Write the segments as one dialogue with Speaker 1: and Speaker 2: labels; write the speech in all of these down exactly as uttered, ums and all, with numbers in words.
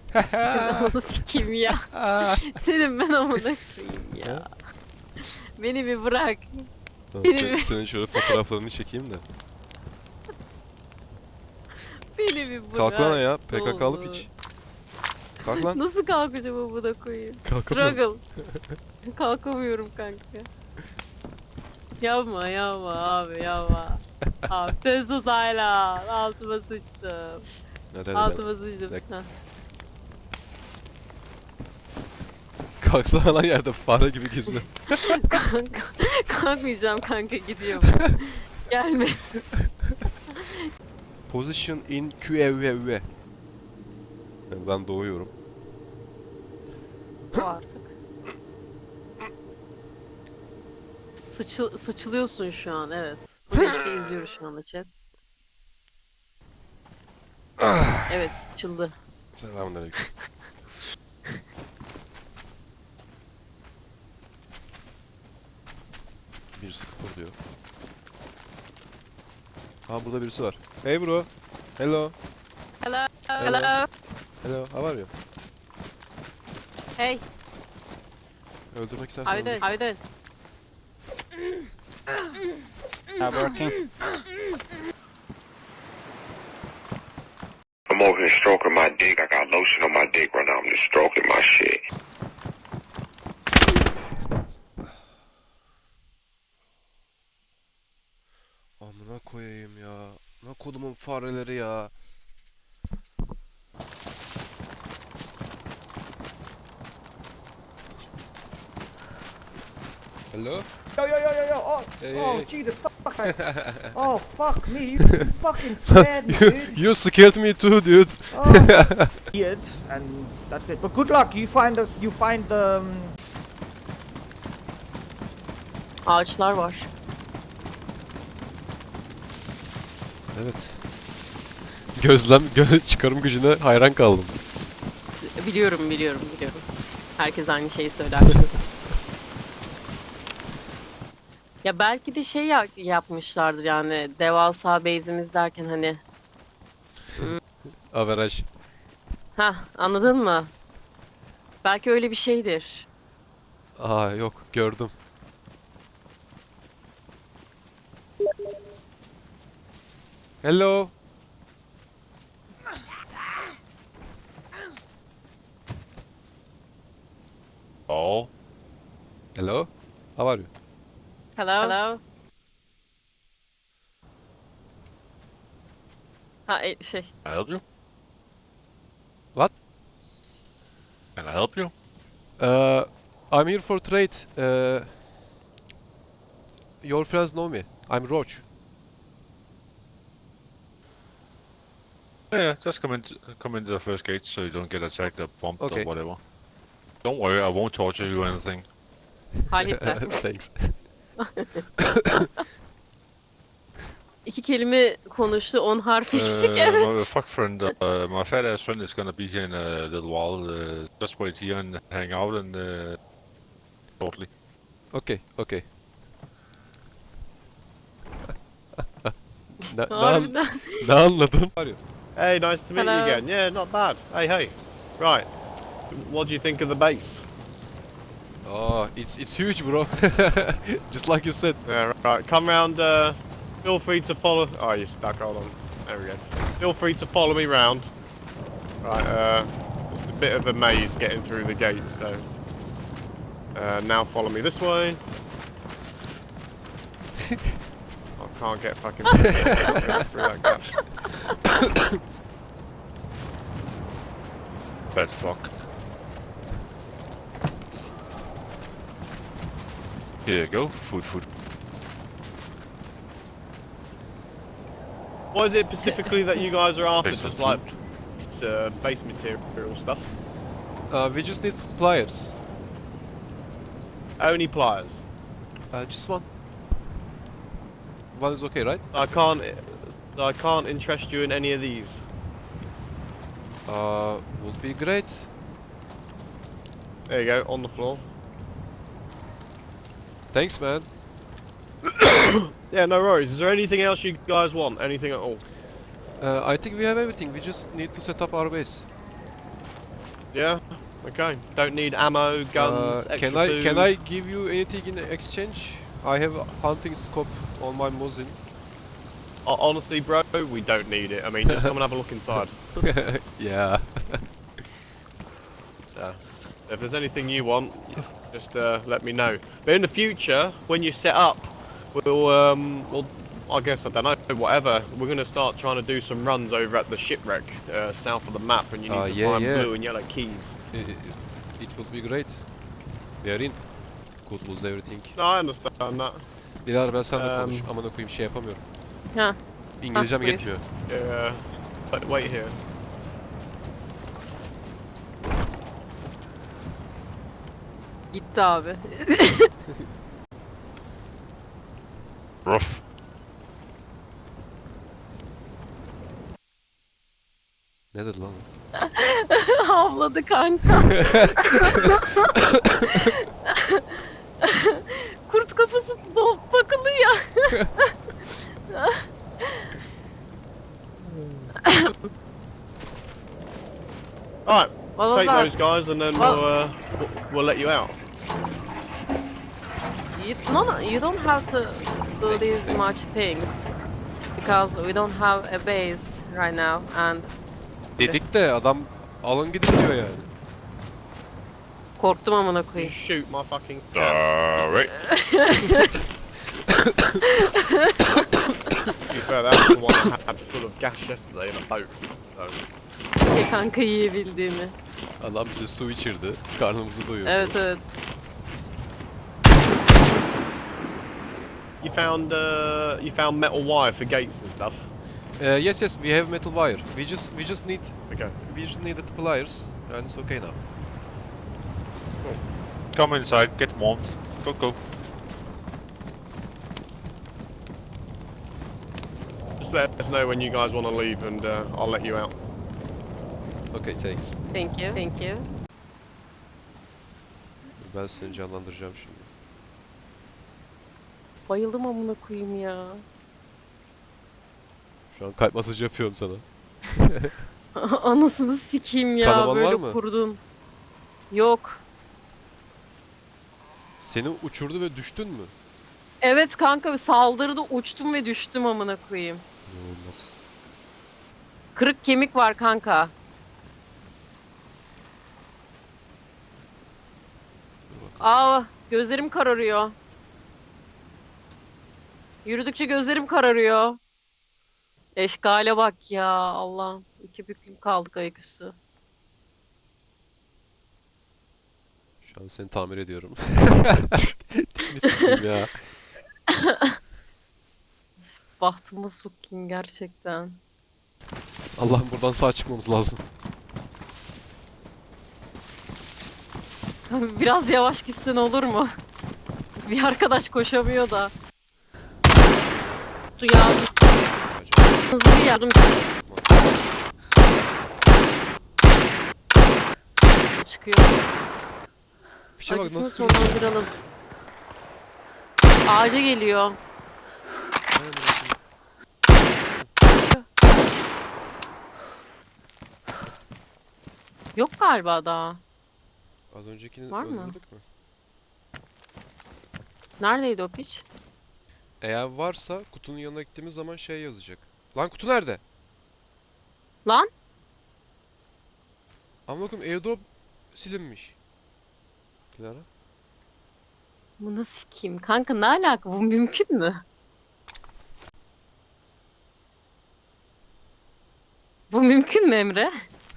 Speaker 1: Onu sikeyim ya. Senin ben amına koyayım ya. Beni bir bırak.
Speaker 2: Tamam,
Speaker 1: Benim-
Speaker 2: sen- senin şöyle fotoğraflarını çekeyim de.
Speaker 1: Beni bir bırak.
Speaker 2: Kalk lan ya,
Speaker 1: ne
Speaker 2: P K K'lı
Speaker 1: olur.
Speaker 2: piç. Kalk lan.
Speaker 1: Nasıl kalkacağım amına koyayım?
Speaker 2: Kalkamıyor
Speaker 1: Struggle. Kalkamıyorum kanka. Yapma yapma abi yapma. Abi Testo Taylan. Altıma sıçtım.
Speaker 2: Neden
Speaker 1: Altıma sıçtım.
Speaker 2: Dak-
Speaker 1: Heh.
Speaker 2: Kalksana lan yerde fare gibi geziyor.
Speaker 1: Kanka. Kalkmayacağım kanka gidiyorum. Gelme.
Speaker 2: Position in Q E V V. Yani ben doğuyorum.
Speaker 1: Bu artık. Sıçı, sıçılıyorsun şu an evet. Bunu işte izliyoruz şu anda chat. Evet sıçıldı.
Speaker 2: Selamünaleyküm. Bir sıfır diyor. Ha burada birisi var. Hey bro. Hello.
Speaker 1: Hello.
Speaker 2: Hello.
Speaker 1: Hello.
Speaker 2: Hello. How are you?
Speaker 1: Hey.
Speaker 2: Öldürmek istersen
Speaker 1: How you doing?
Speaker 2: öldür.
Speaker 1: How you doing?
Speaker 3: Not working.
Speaker 4: I'm over here stroking my dick. I got lotion on my dick right now. I'm just stroking my shit.
Speaker 2: Amına koyayım ya. Ne kodumun fareleri ya. Hello?
Speaker 3: Yo, yo, yo, yo, yo. Oh,
Speaker 2: Hey,
Speaker 3: oh,
Speaker 2: hey.
Speaker 3: Jesus, fuck. Oh, fuck me. You fucking scared me,
Speaker 2: you,
Speaker 3: dude.
Speaker 2: you scared me too, dude.
Speaker 3: Oh, weird. And that's it. But good luck. You find the, you find the, um,
Speaker 1: Ağaçlar var.
Speaker 2: Evet. Gözlem, gö çıkarım gücüne hayran kaldım.
Speaker 1: Biliyorum biliyorum biliyorum. Herkes aynı şeyi söyler. Ya belki de şey ya- yapmışlardır yani devasa base'imiz derken hani.
Speaker 2: Averaj.
Speaker 1: Ha anladın mı? Belki öyle bir şeydir.
Speaker 2: Aa yok gördüm. Hello.
Speaker 5: Oh,
Speaker 2: Hello. How are you?
Speaker 1: Hello. Hello. Ha e, şey.
Speaker 5: can I help you?
Speaker 2: What?
Speaker 5: Can I help you?
Speaker 2: Uh, I'm here for trade. Uh, your friends know me. I'm Roach.
Speaker 5: Yeah, yeah, just come in, come into the first gate so you don't get attacked or bumped
Speaker 2: Okay.
Speaker 5: or whatever. Don't worry, I won't torture you or anything.
Speaker 1: Haletler.
Speaker 2: Thanks.
Speaker 1: İki kelime konuştu, on harf
Speaker 5: Uh,
Speaker 1: eksik
Speaker 5: My
Speaker 1: evet.
Speaker 5: fuck friend, uh, my fat ass friend is gonna be here in a little while. Uh, just wait here and hang out and uh, shortly.
Speaker 2: Okay, okay. ne, ne, an-
Speaker 1: Harbiden.
Speaker 2: ne anladın? How are you?
Speaker 6: Hey, nice to meet
Speaker 1: Hello.
Speaker 6: you again. Yeah, not bad. Hey, hey. Right. What do you think of the base?
Speaker 2: Oh, it's it's huge, bro. Just like you said.
Speaker 6: Yeah, right. Come round. Uh, feel free to follow. Oh, you're stuck. Hold on. There we go. Feel free to follow me round. Right. Uh, it's a bit of a maze getting through the gate, so. Uh, now follow me this way. I can't get fucking through that gap.
Speaker 5: Fat fuck. Here you go, food, food.
Speaker 6: What is it specifically that you guys are after?
Speaker 5: Base
Speaker 6: Just
Speaker 5: of
Speaker 6: like uh, base material stuff.
Speaker 2: Uh, we just need pliers.
Speaker 6: Only pliers.
Speaker 2: Uh, just one. One is okay, right?
Speaker 6: I can't. I can't interest you in any of these.
Speaker 2: Uh, would be great.
Speaker 6: There you go, on the floor.
Speaker 2: Thanks, man.
Speaker 6: Yeah, no worries. Is there anything else you guys want? Anything at all?
Speaker 2: Uh, I think we have everything. We just need to set up our base.
Speaker 6: Yeah. Okay. Don't need ammo, guns,
Speaker 2: Uh,
Speaker 6: extra
Speaker 2: can I
Speaker 6: food.
Speaker 2: can I give you anything in exchange? I have a hunting scope on my Mosin.
Speaker 6: Ho- Honestly, bro, we don't need it. I mean, just come and have a look inside.
Speaker 2: Yeah.
Speaker 6: So, if there's anything you want, just uh, let me know. But in the future, when you set up, we'll, um, we'll, I guess, I don't know, whatever. We're gonna start trying to do some runs over at the shipwreck, uh, south of the map, and you need
Speaker 2: Ah,
Speaker 6: to
Speaker 2: yeah,
Speaker 6: find
Speaker 2: yeah.
Speaker 6: blue and yellow keys.
Speaker 2: It, it, it would be great. We are in. Could lose everything.
Speaker 6: No, I understand that.
Speaker 2: Dilara ben seninle
Speaker 6: Um,
Speaker 2: konuş. Amına koyayım şey yapamıyorum.
Speaker 1: Ha.
Speaker 2: İngilizcem
Speaker 1: buyur.
Speaker 2: yetmiyor.
Speaker 6: Yeah. But wait here.
Speaker 1: Gitti abi.
Speaker 5: Rough.
Speaker 2: Nedir lan? o?
Speaker 1: Havladı kanka. Kurt kafası do- takılıyor.
Speaker 6: Alright,
Speaker 1: What was
Speaker 6: take
Speaker 1: that?
Speaker 6: those guys and then
Speaker 1: Well-
Speaker 6: we'll, uh, we'll, we'll let you out.
Speaker 1: You, no, no, you don't have to do these much things because we don't have a base right now and
Speaker 2: Dedik de adam alın gidin diyor yani.
Speaker 1: korktum amına
Speaker 6: You
Speaker 1: koyayım.
Speaker 6: shoot my fucking cat.
Speaker 5: Alright.
Speaker 6: To be fair, that was the one I had full of gas yesterday in a boat. So,
Speaker 1: İyi kanka yiyebildiğimi.
Speaker 2: Adam bize su içirdi. Karnımızı doyurdu.
Speaker 1: Evet evet.
Speaker 6: you found uh, you found metal wire for gates and stuff.
Speaker 2: Uh, yes yes we have metal wire. We just we just need
Speaker 6: Okay.
Speaker 2: we just needed pliers and it's okay now.
Speaker 5: Come inside, get warmth. Go, go.
Speaker 6: Just let us know when you guys want to leave, and uh, I'll let you out.
Speaker 2: Okay thanks.
Speaker 1: Thank you. Thank you.
Speaker 2: Ben seni canlandıracağım şimdi.
Speaker 1: Bayıldım amına koyayım ya.
Speaker 2: Şu an kalp masajı yapıyorum sana.
Speaker 1: Anasını sikeyim ya
Speaker 2: Kanaman var
Speaker 1: böyle
Speaker 2: mı?
Speaker 1: kurdun. Yok.
Speaker 2: Seni uçurdu ve düştün mü?
Speaker 1: Evet kanka saldırıda uçtum ve düştüm amına koyayım.
Speaker 2: İnanılmaz.
Speaker 1: Kırık kemik var kanka. Aa gözlerim kararıyor. Yürüdükçe gözlerim kararıyor. Eşkale bak ya Allah'ım. İki büklüm kaldık ayaküstü.
Speaker 2: Şu an seni tamir ediyorum. Tipini sikeyim ya.
Speaker 1: Bahtımı sokayım gerçekten.
Speaker 2: Allah'ım buradan sağ çıkmamız lazım.
Speaker 1: Biraz yavaş gitsen olur mu? Bir arkadaş koşamıyor da. Su ya. Hızlı bir yardım. Çıkıyor.
Speaker 2: Fişe bak
Speaker 1: Acısını
Speaker 2: nasıl sürüyor.
Speaker 1: sonlandıralım. Ağaca geliyor. Yok galiba daha.
Speaker 2: Az öncekini
Speaker 1: Var mı?
Speaker 2: öldürdük mü?
Speaker 1: Neredeydi o piç?
Speaker 2: Eğer varsa kutunun yanına gittiğimiz zaman şey yazacak. Lan kutu nerede?
Speaker 1: Lan?
Speaker 2: Amına koyayım airdrop silinmiş. Dilara.
Speaker 1: Bu nasıl sikeyim? Kanka ne alaka? Bu mümkün mü? Bu mümkün mü Emre?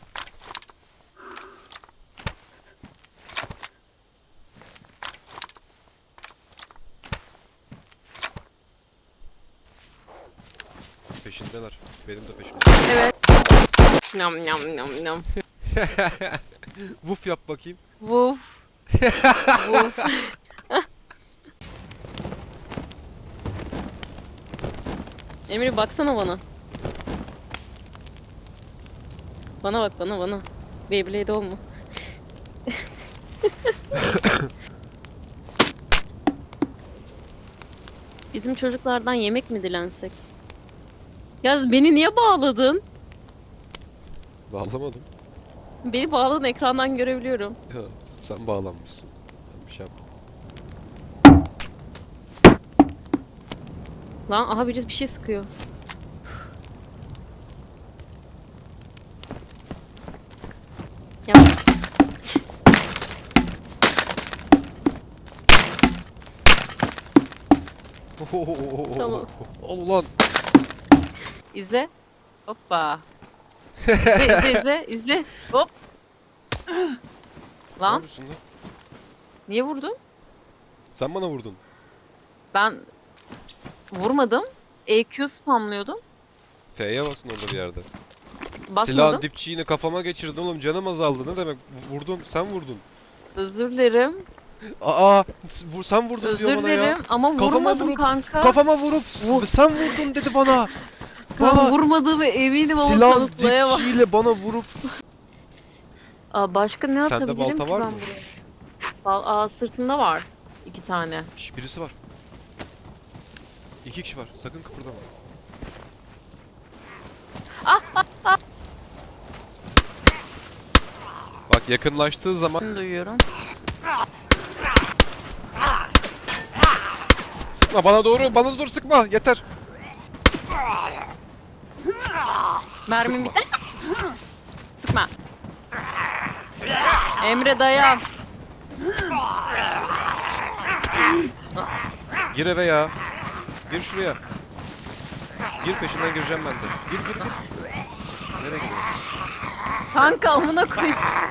Speaker 2: Peşindeler. Benim de peşimde.
Speaker 1: Evet. Nam nam nam nam.
Speaker 2: Vuf yap bakayım.
Speaker 1: Vuf. Vuf. Emre baksana bana. Bana bak bana bana. Beyblade olma. Bizim çocuklardan yemek mi dilensek? Ya beni niye bağladın?
Speaker 2: Bağlamadım.
Speaker 1: Beni bağladın, ekrandan görebiliyorum.
Speaker 2: Ya, sen bağlanmışsın. Ben bir şey yaptım.
Speaker 1: Lan aha birisi bir şey sıkıyor. Ya Tamam.
Speaker 2: Al ulan.
Speaker 1: izle. Hoppa. İzle izle izle izle. Hop.
Speaker 2: Ne
Speaker 1: Lan
Speaker 2: yapıyorsun lan?
Speaker 1: niye vurdun?
Speaker 2: Sen bana vurdun.
Speaker 1: Ben vurmadım. E Q spamlıyordum.
Speaker 2: F'ye basın orada bir yerde.
Speaker 1: Basmadım.
Speaker 2: Silahın dipçiğini kafama geçirdin oğlum, canım azaldı, ne demek? Vurdun, sen vurdun.
Speaker 1: Özür dilerim.
Speaker 2: Aa, s- vur- sen vurdun diyor
Speaker 1: Özür
Speaker 2: bana ya.
Speaker 1: dilerim ama
Speaker 2: Kafama
Speaker 1: vurmadım
Speaker 2: vurup-
Speaker 1: kanka.
Speaker 2: Kafama vurup s-
Speaker 1: Vur.
Speaker 2: sen vurdun dedi bana.
Speaker 1: Ben
Speaker 2: Bana
Speaker 1: vurmadığımı eminim ama
Speaker 2: silah
Speaker 1: kanıtlayamam.
Speaker 2: dipçiyle bana vurup.
Speaker 1: Aa, başka ne
Speaker 2: Sende
Speaker 1: atabilirim
Speaker 2: balta
Speaker 1: ki
Speaker 2: var
Speaker 1: ben
Speaker 2: mı?
Speaker 1: buraya? Bal Aa, sırtında var. İki tane.
Speaker 2: Şş, birisi var. İki kişi var. Sakın kıpırdama. Bak yakınlaştığı zaman
Speaker 1: Şimdi duyuyorum.
Speaker 2: sıkma bana doğru, bana doğru sıkma. Yeter.
Speaker 1: Mermim biter. Sıkma. Emre dayan.
Speaker 2: Gir eve ya. Gir şuraya. Gir, peşinden gireceğim ben de. Gir gir gir. Nereye gidiyorsun?
Speaker 1: Kanka amına koyayım.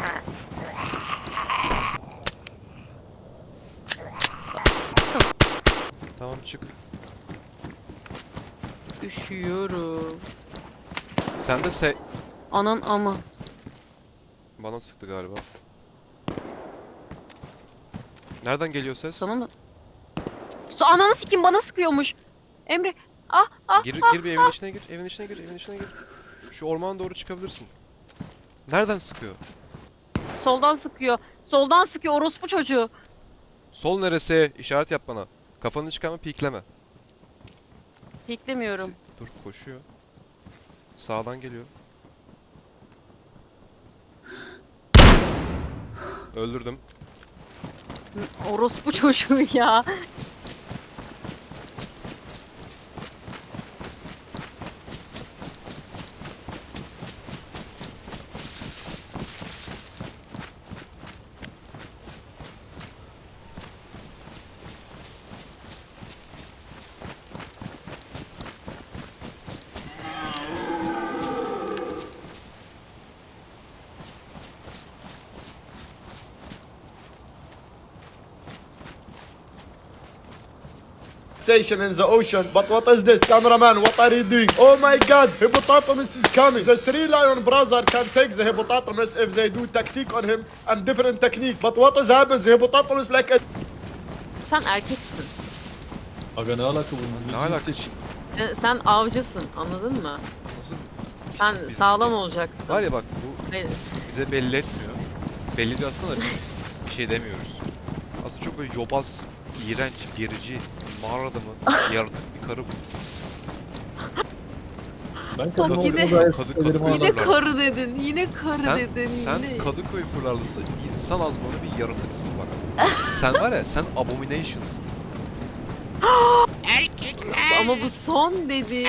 Speaker 2: Tamam çık.
Speaker 1: Üşüyorum.
Speaker 2: Sen de se...
Speaker 1: Anan ama.
Speaker 2: Bana sıktı galiba. Nereden geliyor ses?
Speaker 1: Sana mı? Su ananı sikim bana sıkıyormuş. Emre. Ah ah
Speaker 2: Gir,
Speaker 1: ah.
Speaker 2: gir bir evin içine gir, evin içine gir, evin içine gir. Şu ormana doğru çıkabilirsin. Nereden sıkıyor?
Speaker 1: Soldan sıkıyor. Soldan sıkıyor orospu çocuğu.
Speaker 2: Sol neresi? İşaret yap bana. Kafanı çıkarma, pikleme.
Speaker 1: Beklemiyorum.
Speaker 2: Dur, koşuyor. Sağdan geliyor. Öldürdüm.
Speaker 1: Orospu çocuğu ya.
Speaker 7: Sensation in the ocean. But what is this, cameraman? What are you doing? Oh my god, hippopotamus is coming. The three lion brother can take the hippopotamus if they do tactique on him and different technique. But what has happened? The hippopotamus like a
Speaker 1: Sen erkeksin.
Speaker 8: Aga ne alaka bunun?
Speaker 2: Ne alaka?
Speaker 1: Sen, sen avcısın anladın mı?
Speaker 2: Nasıl?
Speaker 1: Sen
Speaker 2: Biz-
Speaker 1: sağlam olacaksın.
Speaker 2: Var ya bak, bu
Speaker 1: Hayır.
Speaker 2: bize belli etmiyor. Belli diyor aslında, biz bir şey demiyoruz. Aslında çok böyle yobaz, iğrenç, gerici, mağara adamı, yaratık bir karı bu.
Speaker 8: Ben kadın
Speaker 1: Bak yine-
Speaker 8: olduğunu gayet
Speaker 2: Kadı-
Speaker 8: söylerim
Speaker 2: kadı-
Speaker 8: ama.
Speaker 1: Yine karı dedin. Yine karı
Speaker 2: Sen,
Speaker 1: dedin.
Speaker 2: sen
Speaker 1: yine.
Speaker 2: Kadıköy fırlarlısı insan azmanı bir yaratıksın bak. Sen var ya, sen abomination'sın.
Speaker 1: Ama bu son dedi.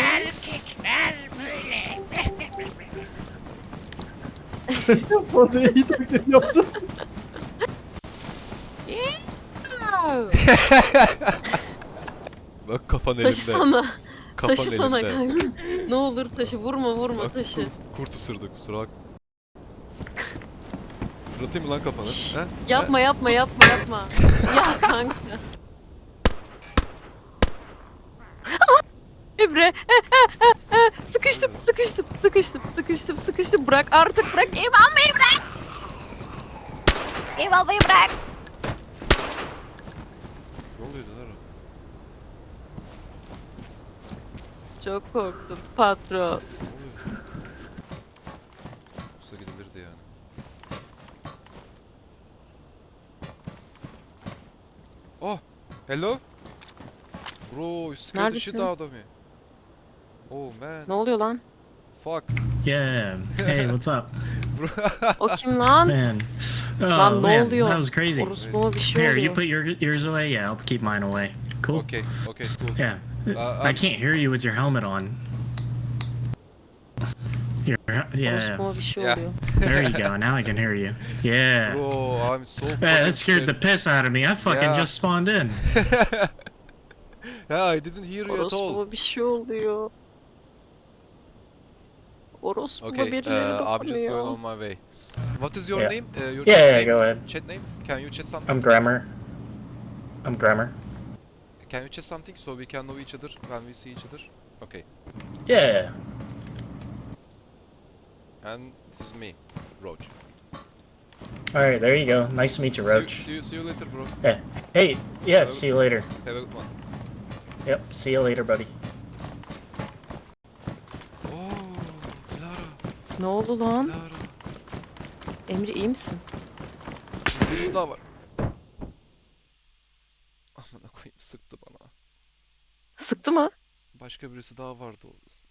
Speaker 8: Orada iyi taklit yaptım.
Speaker 2: Bak kafan elimde.
Speaker 1: Taşısana.
Speaker 2: Kafan
Speaker 1: Taşısana
Speaker 2: elimde.
Speaker 1: kanka. Ne olur taşı. Vurma vurma
Speaker 2: Bak,
Speaker 1: taşı.
Speaker 2: Kurt, kurt ısırdı, kusura bak. Fırlatayım mı lan kafanı?
Speaker 1: Şşş,
Speaker 2: He?
Speaker 1: Yapma yapma yapma yapma. Ya kanka. Ah! Emre. sıkıştım sıkıştım sıkıştım sıkıştım sıkıştım. Bırak artık bırak. Ev almayı bırak. Ev almayı bırak.
Speaker 2: Ne oluyordu lan?
Speaker 1: Çok korktum patron.
Speaker 2: Ne oluyor? Olsa gidilirdi yani. Oh! Hello? Bro, you scared the shit
Speaker 1: Neredesin?
Speaker 2: out of me. Oh man.
Speaker 1: Ne oluyor lan?
Speaker 2: Fuck.
Speaker 9: Yeah. Hey, what's up,
Speaker 1: O kim lan?
Speaker 9: man? Oh
Speaker 1: Lan ne
Speaker 9: man,
Speaker 1: oluyor?
Speaker 9: that was crazy.
Speaker 1: Orospu'ma bir şey
Speaker 9: Here, you
Speaker 1: oluyor.
Speaker 9: put your ears away. Yeah, I'll keep mine away. Cool.
Speaker 2: Okay, okay, cool.
Speaker 9: Yeah.
Speaker 2: Uh,
Speaker 9: I
Speaker 2: um,
Speaker 9: can't hear you with your helmet on. Your, yeah.
Speaker 1: Orospu'ma bir şey
Speaker 2: Yeah.
Speaker 1: oluyor.
Speaker 9: There you go. Now I can hear you. Yeah.
Speaker 2: Bro, I'm so fucking
Speaker 9: Yeah, that scared the
Speaker 2: scared.
Speaker 9: piss out of me. I fucking
Speaker 2: Yeah.
Speaker 9: just spawned in.
Speaker 2: Yeah, I didn't hear you at all.
Speaker 1: Orospu'ma bir şey oluyor. Orospu'ma
Speaker 2: Okay,
Speaker 1: birileri
Speaker 2: uh, I'm just going
Speaker 1: dokunuyor.
Speaker 2: on my way. What is your
Speaker 9: Yeah.
Speaker 2: name? Uh, your
Speaker 9: Yeah,
Speaker 2: chat
Speaker 9: yeah,
Speaker 2: name?
Speaker 9: go ahead.
Speaker 2: Chat name? Can you chat something?
Speaker 9: I'm Grammar. I'm Grammar.
Speaker 2: Can you chat something so we can know each other when we see each other? Okay.
Speaker 9: Yeah.
Speaker 2: And this is me, Roach.
Speaker 9: All right, there you go. Nice to meet you,
Speaker 2: See you,
Speaker 9: Roach.
Speaker 2: see you, see you later, bro.
Speaker 9: Yeah. Hey, yeah,
Speaker 2: Hello.
Speaker 9: see you later.
Speaker 2: Have a good one.
Speaker 9: Yep, see you later, buddy.
Speaker 2: Oh, Clara,
Speaker 1: Ne oldu lan?
Speaker 2: Clara.
Speaker 1: Emre iyi misin?
Speaker 2: Birisi daha var. Amına koyayım, sıktı bana.
Speaker 1: Sıktı mı?
Speaker 2: Başka birisi daha vardı.